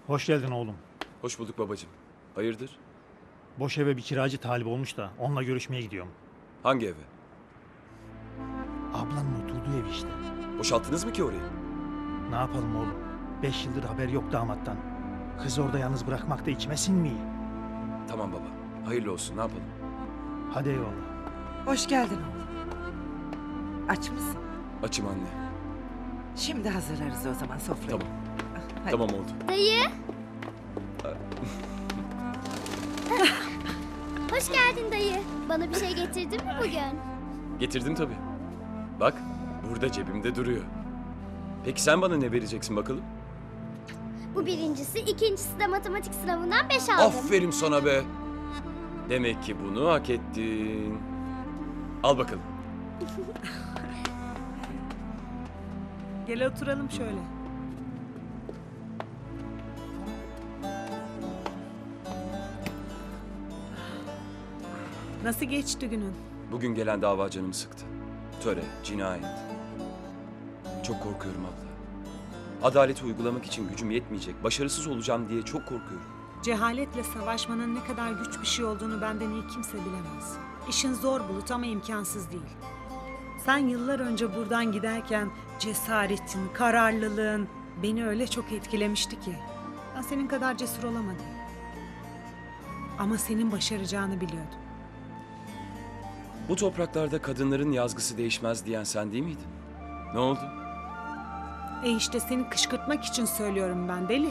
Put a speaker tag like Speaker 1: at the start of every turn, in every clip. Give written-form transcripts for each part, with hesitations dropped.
Speaker 1: Hoş geldin oğlum.
Speaker 2: Hoş bulduk babacığım. Hayırdır?
Speaker 1: Boş eve bir kiracı talip olmuş da onunla görüşmeye gidiyorum.
Speaker 2: Hangi eve?
Speaker 1: Ablanın oturduğu ev işte.
Speaker 2: Boşalttınız mı ki orayı?
Speaker 1: Ne yapalım oğlum? 5 yıldır haber yok damattan. Kızı orada yalnız bırakmak da içime sinmiyor.
Speaker 2: Tamam baba. Hayırlı olsun. Ne yapalım?
Speaker 1: Hadi eyvallah.
Speaker 3: Hoş geldin oğlum. Aç mısın?
Speaker 2: Açım anne.
Speaker 3: Şimdi hazırlarız o zaman sofrayı.
Speaker 2: Tamam.
Speaker 3: Hadi.
Speaker 2: Tamam oldu.
Speaker 4: Dayı. Hoş geldin dayı. Bana bir şey getirdin mi bugün?
Speaker 2: Getirdim tabii. Bak burada cebimde duruyor. Peki sen bana ne vereceksin bakalım?
Speaker 4: Bu birincisi, ikincisi de matematik sınavından 5 aldım.
Speaker 2: Aferin sana be. Demek ki bunu hak ettin. Al bakalım.
Speaker 5: Gel oturalım şöyle. Nasıl geçti günün?
Speaker 2: Bugün gelen dava canımı sıktı. Töre, cinayet. Çok korkuyorum abla. Adaleti uygulamak için gücüm yetmeyecek. Başarısız olacağım diye çok korkuyorum.
Speaker 5: Cehaletle savaşmanın ne kadar güç bir şey olduğunu benden iyi kimse bilemez. İşin zor Bulut ama imkansız değil. Sen yıllar önce buradan giderken cesaretin, kararlılığın beni öyle çok etkilemişti ki. Ben senin kadar cesur olamadım. Ama senin başaracağını biliyordum.
Speaker 2: Bu topraklarda kadınların yazgısı değişmez diyen sen değil miydin? Ne oldu?
Speaker 5: İşte seni kışkırtmak için söylüyorum ben deli.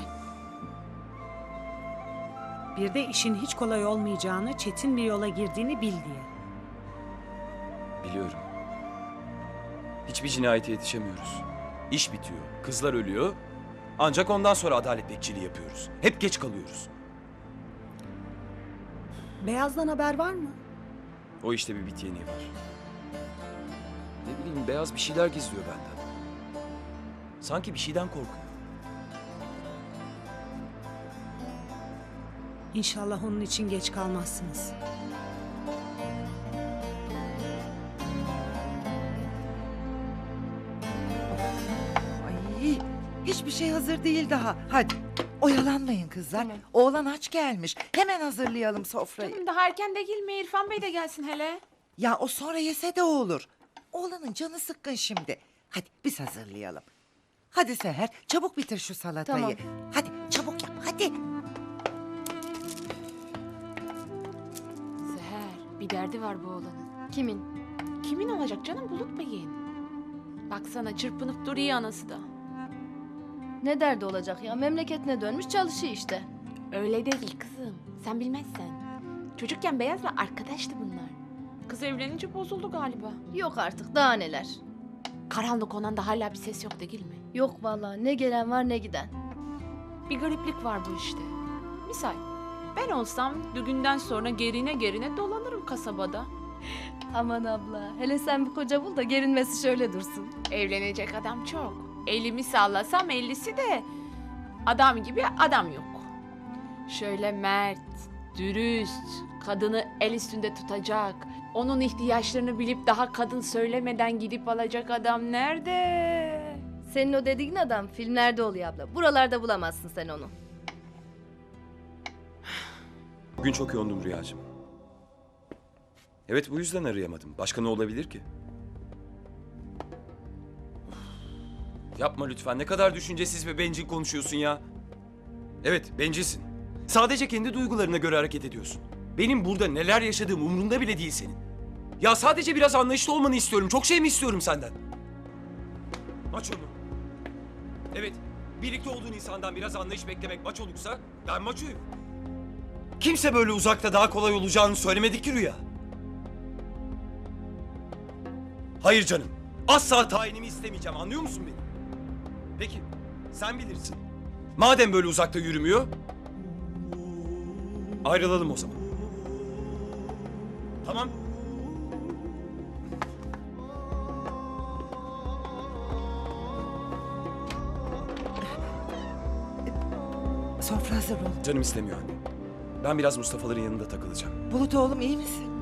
Speaker 5: Bir de işin hiç kolay olmayacağını, çetin bir yola girdiğini bil diye.
Speaker 2: Biliyorum. Hiçbir cinayete yetişemiyoruz. İş bitiyor, kızlar ölüyor. Ancak ondan sonra adalet bekçiliği yapıyoruz. Hep geç kalıyoruz.
Speaker 5: Beyaz'dan haber var mı?
Speaker 2: O işte bir bit yeniği var. Ne bileyim beyaz bir şeyler gizliyor benden. Sanki bir şeyden korkuyor.
Speaker 5: İnşallah onun için geç kalmazsınız.
Speaker 3: Ay, hiçbir şey hazır değil daha. Hadi oyalanmayın kızlar.
Speaker 6: Tamam.
Speaker 3: Oğlan aç gelmiş. Hemen hazırlayalım sofrayı.
Speaker 6: Canım daha erken de girme, İrfan Bey de gelsin hele.
Speaker 3: Ya o sonra yese de olur. Oğlanın canı sıkkın şimdi. Hadi biz hazırlayalım. Hadi Seher çabuk bitir şu salatayı.
Speaker 6: Tamam.
Speaker 3: Hadi çabuk yap hadi.
Speaker 6: Seher, bir derdi var bu oğlanın.
Speaker 4: Kimin?
Speaker 6: Kimin olacak canım, Bulut Bey'in. Baksana çırpınıp duruyor anası da.
Speaker 7: Ne derdi olacak ya? Memleketine dönmüş çalışıyor işte.
Speaker 6: Öyle değil kızım, sen bilmezsen. Çocukken Beyaz'la arkadaştı bunlar. Kız evlenince bozuldu galiba.
Speaker 7: Yok artık daha neler.
Speaker 6: Karanlık olan da hala bir ses yok değil mi?
Speaker 7: Yok vallahi ne gelen var ne giden.
Speaker 6: Bir gariplik var bu işte. Misal, ben olsam düğünden sonra gerine dolanırım kasabada.
Speaker 7: Aman abla hele sen bir koca bul da gerinmesi şöyle dursun.
Speaker 6: Evlenecek adam çok. Elimi sallasam 50'si de adam gibi adam yok. Şöyle mert, dürüst, kadını el üstünde tutacak, onun ihtiyaçlarını bilip daha kadın söylemeden gidip alacak adam nerede?
Speaker 7: Senin o dediğin adam filmlerde oluyor abla. Buralarda bulamazsın sen onu.
Speaker 2: Bugün çok yoğundum Rüyacığım. Evet bu yüzden arayamadım. Başka ne olabilir ki? Üf, yapma lütfen. Ne kadar düşüncesiz ve bencil konuşuyorsun ya. Evet bencilsin. Sadece kendi duygularına göre hareket ediyorsun. Benim burada neler yaşadığım umurunda bile değil senin. Ya sadece biraz anlayışlı olmanı istiyorum. Çok şey mi istiyorum senden? Maç onu. Evet, birlikte olduğun insandan biraz anlayış beklemek maç olursa ben maçoyum. Kimse böyle uzakta daha kolay olacağını söylemedi ki Rüya. Hayır canım. Asla tayinimi istemeyeceğim. Anlıyor musun beni? Peki. Sen bilirsin. Madem böyle uzakta yürümüyor. Ayrılalım o zaman. Tamam.
Speaker 3: Sofra hazır ol.
Speaker 2: Canım istemiyor anne. Ben biraz Mustafa'ların yanında takılacağım.
Speaker 3: Bulut oğlum iyi misin?